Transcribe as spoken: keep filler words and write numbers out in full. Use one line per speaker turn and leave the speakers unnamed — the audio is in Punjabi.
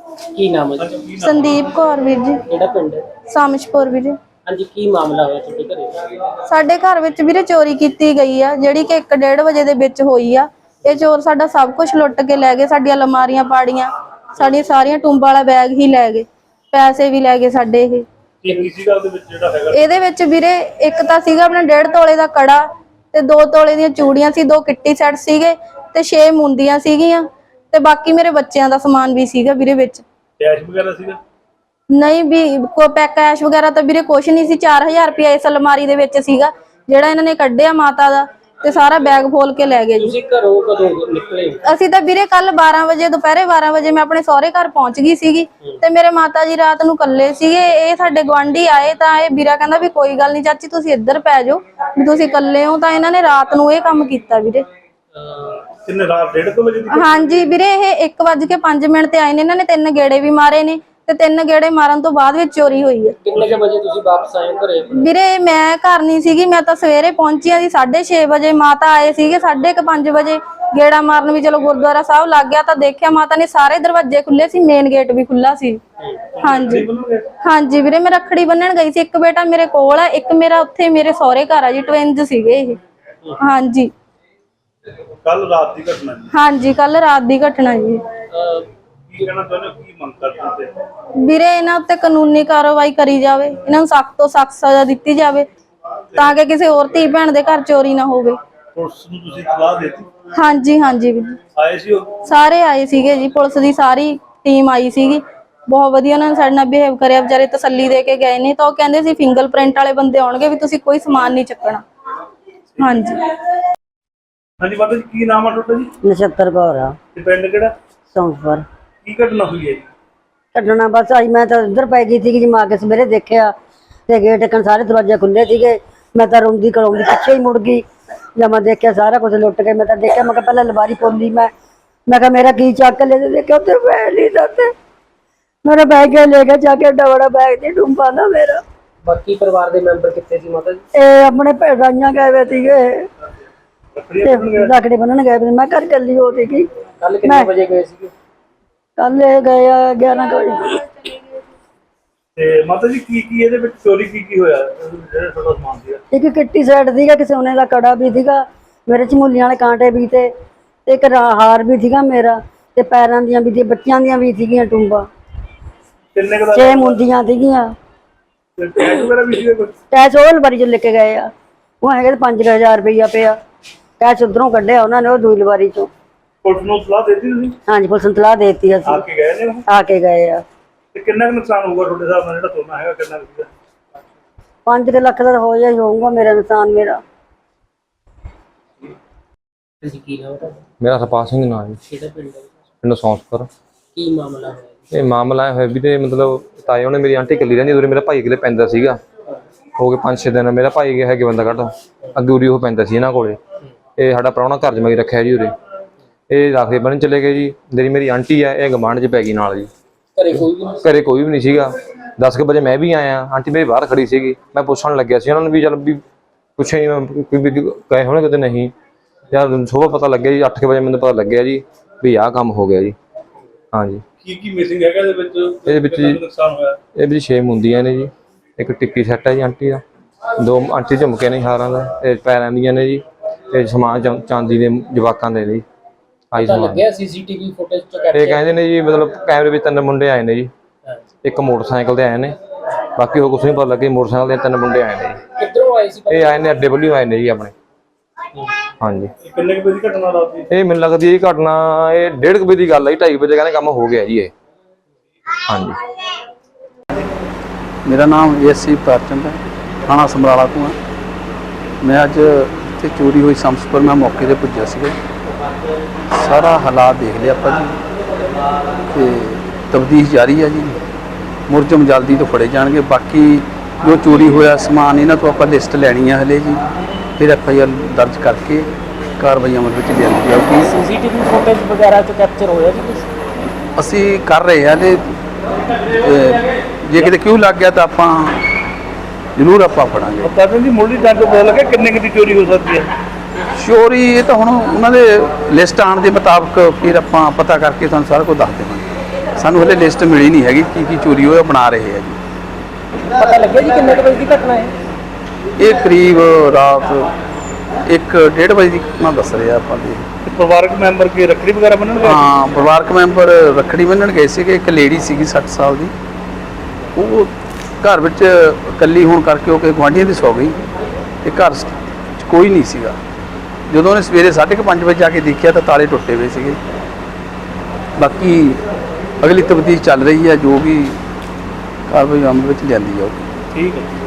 ਕੀ ਨਾਮ ਹੈ ਜੀ?
ਸੰਦੀਪ ਕੌਰ ਵੀਰ ਜੀ।
ਕਿਹੜਾ ਪਿੰਡ ਹੈ?
ਸਾਮਿਸ਼ਪੁਰ ਵੀਰ ਜੀ।
ਹਾਂਜੀ, ਕੀ ਮਾਮਲਾ ਹੋਇਆ ਤੁਹਾਡੇ ਘਰੇ?
ਸਾਡੇ ਘਰ ਵਿੱਚ ਵੀਰੇ ਚੋਰੀ ਕੀਤੀ ਗਈ ਆ, ਜਿਹੜੀ ਕਿ ਇੱਕ ਡੇਢ ਵਜੇ ਦੇ ਵਿੱਚ ਹੋਈ ਆ। ਇਹ ਚੋਰ ਸਾਡਾ ਸਭ ਕੁਝ ਲੁੱਟ ਕੇ ਲੈ ਗਏ, ਸਾਡੀਆਂ ਅਲਮਾਰੀਆਂ ਪਾੜੀਆਂ, ਸਾਡੀਆਂ ਸਾਰੀਆਂ ਟੁੰਬਾਂ ਵਾਲਾ ਬੈਗ ਹੀ ਲੈ ਗਏ, ਪੈਸੇ ਵੀ ਲੈ ਗਏ ਸਾਡੇ। ਇਹ
ਕੀ ਸੀਗਾ ਉਹਦੇ ਵਿੱਚ ਜਿਹੜਾ ਹੈਗਾ?
ਇਹਦੇ ਵਿੱਚ ਵੀਰੇ ਇੱਕ ਤਾਂ ਸੀਗਾ ਆਪਣਾ ਡੇਢ ਤੋਲੇ ਦਾ ਕੜਾ ਤੇ ਦੋ ਤੋਲੇ ਦੀਆਂ ਚੂੜੀਆਂ ਸੀ, ਦੋ ਕਿੱਟੀ ਸੈੱਟ ਸੀਗੇ ਤੇ ਛੇ ਮੁੰਦੀਆਂ ਸੀਗੀਆਂ ਤੇ ਬਾਕੀ ਮੇਰੇ ਬੱਚਿਆਂ ਦਾ ਸਮਾਨ ਵੀ ਸੀਗਾ ਵੀਰੇ ਵਿੱਚ।
ਕੈਸ਼ ਵਗੈਰਾ ਸੀਗਾ?
ਨਹੀਂ ਵੀ ਕੋਈ ਪੈਕ ਕੈਸ਼ ਵਗੈਰਾ ਤਾਂ ਵੀਰੇ ਕੁਛ ਨਹੀਂ ਸੀ। ਚਾਰ ਹਜ਼ਾਰ ਰੁਪਇਆ ਇਸ ਅਲਮਾਰੀ ਦੇ ਵਿੱਚ ਸੀਗਾ ਜਿਹੜਾ ਇਹਨਾਂ ਨੇ ਕੱਢਿਆ ਮਾਤਾ ਦਾ, ਤੇ ਸਾਰਾ ਬੈਗ ਫੋਲ ਕੇ ਲੈ ਗਏ ਜੀ।
ਤੁਸੀਂ ਘਰੋਂ ਕਦੋਂ ਨਿਕਲੇ?
ਅਸੀਂ ਤਾਂ ਵੀਰੇ ਕੱਲ ਬਾਰਾਂ ਵਜੇ ਦੁਪਹਿਰੇ ਬਾਰਾਂ ਵਜੇ ਮੈਂ ਆਪਣੇ ਸਹੁਰੇ ਘਰ ਪਹੁੰਚ ਗਈ ਸੀਗੀ ਤੇ ਮੇਰੇ ਮਾਤਾ ਜੀ ਰਾਤ ਨੂੰ ਇਕੱਲੇ ਸੀਗੇ। ਇਹ ਸਾਡੇ ਗੁਆਂਢੀ ਆਏ ਤਾਂ ਇਹ ਵੀਰਾ ਕਹਿੰਦਾ ਵੀ ਕੋਈ ਗੱਲ ਨਹੀਂ ਚਾਚੀ ਤੁਸੀਂ ਇੱਧਰ ਪੈ ਜਾਓ ਵੀ ਤੁਸੀਂ ਇਕੱਲੇ ਹੋ, ਤਾਂ ਇਹਨਾਂ ਨੇ ਰਾਤ ਨੂੰ ਇਹ ਕੰਮ ਕੀਤਾ ਵੀਰੇ।
ਕਿੰਨੇ ਰਾਤ ਡੇਢ ਕੁ ਵਜੇ ਦੀ?
ਹਾਂਜੀ ਵੀਰੇ, ਇਹ ਇੱਕ ਵੱਜ ਕੇ ਪੰਜ ਮਿੰਟ ਤੇ ਆਏ ਨੇ। ਇਹਨਾਂ ਨੇ ਤਿੰਨ ਗੇੜੇ ਵੀ ਮਾਰੇ ਨੇ ਤੇ ਤਿੰਨ ਗੇੜੇ ਮਾਰਨ ਤੋਂ ਬਾਅਦ ਵਿੱਚ ਚੋਰੀ ਹੋਈ ਹੈ।
ਕਿੰਨੇ ਕੁ ਵਜੇ ਤੁਸੀਂ ਵਾਪਸ ਆਏ ਘਰੇ?
ਵੀਰੇ ਮੈਂ ਘਰ ਨਹੀਂ ਸੀਗੀ, ਮੈਂ ਤਾਂ ਸਵੇਰੇ ਪਹੁੰਚੀ ਆ ਜੀ ਸਾਢੇ ਛੇ ਵਜੇ। ਮਾਤਾ ਆਏ ਸੀਗੇ ਸਾਢੇ ਕੁ ਪੰਜ ਵਜੇ ਗੇੜਾ ਮਾਰਨ ਵੀ, ਚਲੋ ਗੁਰਦੁਆਰਾ ਸਾਹਿਬ ਲੱਗ ਗਿਆ ਤਾਂ ਦੇਖਿਆ ਮਾਤਾ ਨੇ ਸਾਰੇ ਦਰਵਾਜ਼ੇ ਖੁੱਲੇ ਸੀ, ਮੇਨ ਗੇਟ ਵੀ ਖੁੱਲਾ ਸੀ। ਹਾਂਜੀ ਹਾਂਜੀ ਵੀਰੇ, ਮੈਂ ਰੱਖੜੀ ਬੰਨਣ ਗਈ ਸੀ। ਇੱਕ ਬੇਟਾ ਮੇਰੇ ਕੋਲ ਆ, ਇੱਕ ਮੇਰਾ ਉੱਥੇ ਮੇਰੇ ਸਹੁਰੇ ਘਰ ਆ ਜੀ, ਟਵਿੰਜ ਸੀਗੇ ਇਹ। ਹਾਂਜੀ
ਕੱਲ ਰਾਤ ਦੀ ਘਟਨਾ ਜੀ?
ਹਾਂਜੀ ਕੱਲ ਰਾਤ ਦੀ ਘਟਨਾ ਜੀ।
ਕੀ ਕਹਿਣਾ ਚਾਹੁੰਦੇ ਹੋ, ਕੀ ਮੰਗ ਕਰਦੇ ਹੋ?
ਵੀਰੇ ਇਹਨਾਂ ਉੱਤੇ ਕਾਨੂੰਨੀ ਕਾਰਵਾਈ ਕਰੀ ਜਾਵੇ, ਇਹਨਾਂ ਨੂੰ ਸਖਤ ਤੋਂ ਸਖਤ ਸਜ਼ਾ ਦਿੱਤੀ ਜਾਵੇ ਤਾਂ ਕਿ ਕਿਸੇ ਹੋਰ ਧੀ ਭੈਣ ਦੇ ਘਰ ਚੋਰੀ ਨਾ ਹੋਵੇ।
ਪੁਲਿਸ ਨੂੰ ਤੁਸੀਂ ਇਤਲਾਹ ਦਿੱਤੀ?
ਹਾਂਜੀ ਹਾਂਜੀ ਵੀਰ,
ਆਏ ਸੀ ਉਹ?
ਸਾਰੇ ਆਏ ਸੀਗੇ ਜੀ, ਪੁਲਿਸ ਦੀ ਸਾਰੀ ਟੀਮ ਆਈ ਸੀਗੀ। ਬਹੁਤ ਵਧੀਆ ਉਹਨਾਂ ਨੇ ਸਾਡੇ ਨਾਲ ਬਿਹੇਵ ਕਰਿਆ, ਵਿਚਾਰੇ ਤਸੱਲੀ ਦੇ ਕੇ ਗਏ ਨੇ। ਤਾਂ ਉਹ ਕਹਿੰਦੇ ਸੀ ਫਿੰਗਰ ਪ੍ਰਿੰਟ ਵਾਲੇ ਬੰਦੇ ਆਉਣਗੇ ਵੀ ਤੁਸੀਂ ਕੋਈ ਸਮਾਨ ਨਹੀਂ ਚੱਕਣਾ। ਹਾਂਜੀ
ਹਾਂਜੀ ਮਾਤਾ ਜੀ, ਕੀ ਨਾਮ ਆ ਤੁਹਾਡਾ ਜੀ?
ਨਛੱਤਰ ਕੌਰ ਆ।
ਤੇ ਪਿੰਡ ਕਿਹੜਾ?
ਸੌਂਫਰ।
ਕੀ ਘਟਨਾ ਹੋਈ ਹੈ ਜੀ?
ਕੱਢਣਾ ਬਸ ਆਈ, ਮੈਂ ਤਾਂ ਉੱਧਰ ਪੈ ਗਈ ਸੀ ਜੀ। ਮਾਂ ਕੇ ਸਵੇਰੇ ਦੇਖਿਆ ਤੇ ਗੇਟ ਟਕਣ ਸਾਰੇ ਦਰਵਾਜ਼ੇ ਖੁੱਲੇ ਸੀਗੇ। ਮੈਂ ਤਾਂ ਰੋਂਦੀ ਕਰਾਉਂਦੀ ਪਿੱਛੇ ਹੀ ਮੁੜ ਗਈ। ਜਦ ਮੈਂ ਦੇਖਿਆ ਸਾਰਾ ਕੁਝ ਲੁੱਟ ਕੇ, ਮੈਂ ਤਾਂ ਦੇਖਿਆ, ਮੈਂ ਕਿਹਾ ਪਹਿਲਾਂ ਅਲਮਾਰੀ ਖੋਲੀ। ਮੈਂ ਮੈਂ ਕਿਹਾ ਮੇਰਾ ਕੀ ਚੱਕ ਲੈ, ਦੇਖਿਆ ਉੱਥੇ ਬੈਗ ਨਹੀਂ ਦਿੱਤੇ। ਮੇਰਾ ਬੈਗ ਲੈ ਕੇ ਜਾ ਕੇ ਡਬੜਾ ਬੈਗ ਦੀ ਡੂੰਬਾ ਨਾ ਮੇਰਾ।
ਬਾਕੀ ਪਰਿਵਾਰ ਦੇ ਮੈਂਬਰ ਕਿੱਥੇ ਸੀ ਮਾਤਾ ਜੀ?
ਇਹ ਆਪਣੇ ਭੈਣਾਂ ਗਏ ਵੇ ਸੀਗੇ, ਰੱਖੜੀ ਬੰਨਣ ਗਏ ਵੇ। ਮੈਂ ਘਰ ਚੱਲੀ ਹੋ ਸੀਗੀ।
ਕੱਲ ਕਿੰਨੇ ਵਜੇ ਗਏ ਸੀਗੇ?
ਕੱਲ ਇਹ ਗਏ ਆ ਗਿਆਰਾਂ ਵਜੇ।
ਤੇ ਮਾਤਾ ਜੀ ਕੀ ਕੀ ਇਹਦੇ ਵਿੱਚ ਚੋਰੀ ਕੀ ਕੀ ਹੋਇਆ ਜਿਹੜਾ ਤੁਹਾਡਾ ਸਮਾਨ ਸੀਗਾ?
ਇੱਕ ਕਿੱਟੀ ਸੈੱਟ ਸੀਗਾ, ਕਿ ਸੋਨੇ ਦਾ ਕੜਾ ਵੀ ਸੀਗਾ, ਮੇਰੇ ਝਮੂਲੀਆਂ ਵਾਲੇ ਕਾਂਟੇ ਵੀ ਤੇ ਇੱਕ ਹਾਰ ਵੀ ਸੀਗਾ ਮੇਰਾ, ਤੇ ਪੈਰਾਂ ਦੀਆਂ ਵੀ, ਬੱਚਿਆਂ ਦੀਆਂ ਵੀ ਸੀਗੀਆਂ ਟੁੰਬਾਂ।
ਕਿੰਨੇ ਕੁ ਦਾ?
ਛੇ ਮੁੰਦੀਆਂ ਸੀਗੀਆਂ।
ਕੈਸ਼ ਵਗੈਰਾ ਵੀ ਸੀਗਾ ਕੁਝ?
ਕੈਸ਼ ਉਹ ਅਲਮਾਰੀ ਚ ਲੈ ਕੇ ਗਏ ਆ। ਉਹ ਹੈਗੇ ਪੰਜ ਹਜ਼ਾਰ ਰੁਪਈਆ ਪਿਆ ਕੈਸ਼, ਉਧਰੋਂ ਕੱਢਿਆ ਉਹਨਾਂ ਨੇ ਉਹ ਦੂਜੀ ਅਲਮਾਰੀ ਚੋਂ।
ਪੁਲਿਸ ਨੂੰ ਸਲਾਹ ਦਿੱਤੀ ਤੁਸੀਂ?
ਹਾਂਜੀ ਪੁਲਿਸ ਨੂੰ ਸਲਾਹ ਦੇ ਦਿੱਤੀ ਅਸੀਂ।
ਆ ਕੇ ਗਏ ਨੇ ਉਹ?
ਆ ਕੇ ਗਏ ਆ।
ਤੇ ਕਿੰਨਾ ਕੁ ਨੁਕਸਾਨ ਹੋਊਗਾ ਤੁਹਾਡੇ ਹਿਸਾਬ ਨਾਲ ਜਿਹੜਾ ਸੋਨਾ ਹੈਗਾ, ਕਿੰਨਾ ਕੁ ਸੀਗਾ?
ਪੰਜ ਕੁ ਲੱਖ ਦਾ ਹੋ ਜਾਈ ਹੋਊਗਾ ਮੇਰਾ ਨੁਕਸਾਨ। ਮੇਰਾ
ਤੁਸੀਂ ਕੀ ਨਾਮ ਹੈ?
ਮੇਰਾ ਸਰਪਾਲ ਸਿੰਘ ਨਾਮ ਹੈ।
ਕਿਹੜਾ ਪਿੰਡ ਹੈ?
ਪਿੰਡ ਸੌਂਸਪੁਰ।
ਕੀ ਮਾਮਲਾ ਹੋਇਆ?
ਇਹ ਮਾਮਲਾ ਹੋਇਆ ਵੀ ਤੇ ਮਤਲਬ ਤਾਏ ਉਹਨੇ ਮੇਰੀ ਆਂਟੀ ਇਕੱਲੀ ਰਹਿੰਦੀ, ਉਰੇ ਮੇਰਾ ਭਾਈ ਕਿਲੇ ਪੈਂਦਾ ਸੀਗਾ। ਹੋ ਗਏ ਪੰਜ ਛੇ ਦਿਨ। ਮੇਰਾ ਭਾਈ ਗਿਆ ਹੈਗੇ ਬੰਦਾ ਕੱਢ ਅੱਗੇ ਉਰੀ ਉਹ ਪੈਂਦਾ ਸੀ ਇਹਨਾਂ ਕੋਲੇ। ਇਹ ਸਾਡਾ ਪ੍ਰਾਹੁਣਾ ਘਰ ਜਮਾਈ ਰੱਖਿਆ ਜੀ ਉਰੇ। ਇਹ ਰੱਖਦੇ ਬੰਨ ਚਲੇ ਗਏ ਜੀ। ਜਿਹੜੀ ਮੇਰੀ ਆਂਟੀ ਆ ਇਹ ਗਮਾਂਡ 'ਚ ਪੈ ਗਈ ਨਾਲ ਜੀ।
ਘਰੇ ਕੋਈ ਵੀ ਨਹੀਂ?
ਘਰੇ ਕੋਈ ਵੀ ਨਹੀਂ ਸੀਗਾ। ਦਸ ਕੁ ਵਜੇ ਮੈਂ ਵੀ ਆਇਆ, ਆਂਟੀ ਮੇਰੀ ਬਾਹਰ ਖੜੀ ਸੀਗੀ। ਮੈਂ ਪੁੱਛਣ ਲੱਗਿਆ ਸੀ ਉਹਨਾਂ ਨੂੰ ਵੀ ਚੱਲ ਵੀ ਪੁੱਛੇ ਕੋਈ ਵੀ ਗਏ ਹੋਣੇ ਕਿਤੇ ਨਹੀਂ। ਯਾਰ ਸੁਬਾਹ ਪਤਾ ਲੱਗਿਆ ਜੀ, ਅੱਠ ਕੁ ਵਜੇ ਮੈਨੂੰ ਪਤਾ ਲੱਗਿਆ ਜੀ ਵੀ ਆਹ ਕੰਮ ਹੋ ਗਿਆ ਜੀ। ਹਾਂਜੀ।
ਕੀ ਕੀ ਮਿਸਿੰਗ ਹੈਗਾ ਇਹਦੇ ਵਿੱਚ?
ਇਹਦੇ ਵਿੱਚ ਜੀ
ਨੁਕਸਾਨ ਹੋਇਆ?
ਇਹ ਵੀ ਛੇ ਮੁੰਦੀਆਂ ਨੇ ਜੀ, ਇੱਕ ਟਿੱਕੀ ਸੈੱਟ ਹੈ ਜੀ ਆਂਟੀ ਦਾ, ਦੋ ਆਂਟੀ ਝੁਮਕੇ ਨੇ ਹਾਰਾਂ ਦਾ, ਇਹ ਪੈਰਾਂ ਦੀਆਂ ਨੇ ਜੀ, ਤੇ ਸਮਾਨ ਚਾਂਦੀ ਦੇ ਜਵਾਕਾਂ ਦੇ ਜੀ। ਆਈ ਸਮਾਨ
ਲੱਗਿਆ ਸੀਸੀਟੀਵੀ ਫੁਟੇਜ ਚ
ਇਹ ਕਹਿੰਦੇ ਨੇ ਜੀ, ਮਤਲਬ ਕੈਮਰੇ ਵਿੱਚ ਤਿੰਨ ਮੁੰਡੇ ਆਏ ਨੇ ਜੀ। ਇੱਕ ਮੋਟਰਸਾਈਕਲ ਤੇ ਆਏ ਨੇ, ਬਾਕੀ ਉਹ ਕੁਛ ਨਹੀਂ ਪਤਾ ਲੱਗੇ। ਮੋਟਰਸਾਈਕਲ ਦੇ ਤਿੰਨ ਮੁੰਡੇ ਆਏ ਨੇ ਜੀ।
ਕਿੱਧਰੋਂ ਆਏ ਸੀ?
ਇਹ ਆਏ ਨੇ ਅੱਡੇ ਵੱਲੋਂ ਆਏ ਨੇ ਜੀ ਆਪਣੇ। ਹਾਂਜੀ।
ਕਿੰਨੇ ਕੁ ਵਜੇ ਦੀ ਘਟਨਾ ਰਾਤ ਦੀ?
ਇਹ ਮੈਨੂੰ ਲੱਗਦੀ ਹੈ ਘਟਨਾ ਇਹ ਡੇਢ ਕੁ ਵਜੇ ਦੀ ਗੱਲ ਹੈ। ਢਾਈ ਵਜੇ ਕਹਿੰਦੇ ਕੰਮ ਹੋ ਗਿਆ ਜੀ ਇਹ। ਹਾਂਜੀ।
मेरा नाम एस सी प्रचंड है, थाना समराला तो हाँ। मैं अज इतने चोरी हुई समसपुर मैं मौके पर पुजा से सारा हालात देख लिया आप जी। तफ्तीश जारी है जी। मुलजम जल्दी तो फड़े जाएंगे। बाकी जो चोरी होया समान इन्हों तो आप लिस्ट लैनी है हले जी, फिर एफ आई आर दर्ज करके कार्रवाई अमल में लिया जाएगी।
सीसीटीवी फुटेज वगैरह तो कैप्चर होया जी?
असी कर रहे हैं हले, जे किते क्यों लग गया तो आप जरूर आप फड़ांगे।
कहते जी मुढ़ली जांच पता लगे किन्ने की चोरी हो सकती है?
चोरी ये तो हुण उन्होंने लिस्ट आने के मुताबिक फिर आप पता करके तुहानूं सारा कुछ दस देवांगे। ਸਾਨੂੰ ਹਲੇ ਲਿਸਟ ਮਿਲੀ ਨਹੀਂ ਹੈਗੀ ਕੀ ਕੀ ਚੋਰੀ ਹੋਇਆ, ਬਣਾ ਰਹੇ ਆ ਜੀ।
ਪਤਾ ਲੱਗਿਆ ਜੀ ਕਿੰਨੇ ਕੁ ਵਜੇ ਦੀ ਘਟਨਾ ਹੈ?
ਇਹ ਕਰੀਬ ਰਾਤ ਇੱਕ ਡੇਢ ਵਜੇ ਦੀ ਘਟਨਾ ਦੱਸ ਰਿਹਾ ਆਪਾਂ ਜੀ।
ਤੇ ਪਰਿਵਾਰਕ ਮੈਂਬਰ ਕੀ ਰੱਖੜੀ ਵਗੈਰਾ ਬੰਨਣ ਗਏ?
ਹਾਂ, ਪਰਿਵਾਰਕ ਮੈਂਬਰ ਰੱਖੜੀ ਬੰਨ੍ਹਣ ਗਏ ਸੀਗੇ। ਇੱਕ ਲੇਡੀ ਸੀਗੀ ਸੱਠ ਸਾਲ ਦੀ, ਉਹ ਘਰ ਵਿੱਚ ਇਕੱਲੀ ਹੋਣ ਕਰਕੇ ਉਹ ਕਿ ਗੁਆਂਢੀਆਂ ਦੀ ਸੌ ਗਈ ਤੇ ਘਰ 'ਚ ਕੋਈ ਨਹੀਂ ਸੀਗਾ। ਜਦੋਂ ਉਹਨੇ ਸਵੇਰੇ ਸਾਢੇ ਕੁ ਪੰਜ ਵਜੇ ਜਾ ਕੇ ਦੇਖਿਆ ਤਾਂ ਤਾਲੇ ਟੁੱਟੇ ਹੋਏ ਸੀਗੇ। ਬਾਕੀ ਅਗਲੀ ਤਫਤੀਸ਼ ਚੱਲ ਰਹੀ ਹੈ, ਜੋ ਵੀ ਕਾਰਵਾਈ ਅਮਲ ਵਿੱਚ ਲਿਆਂਦੀ ਜਾਊਗੀ।
ਠੀਕ ਹੈ।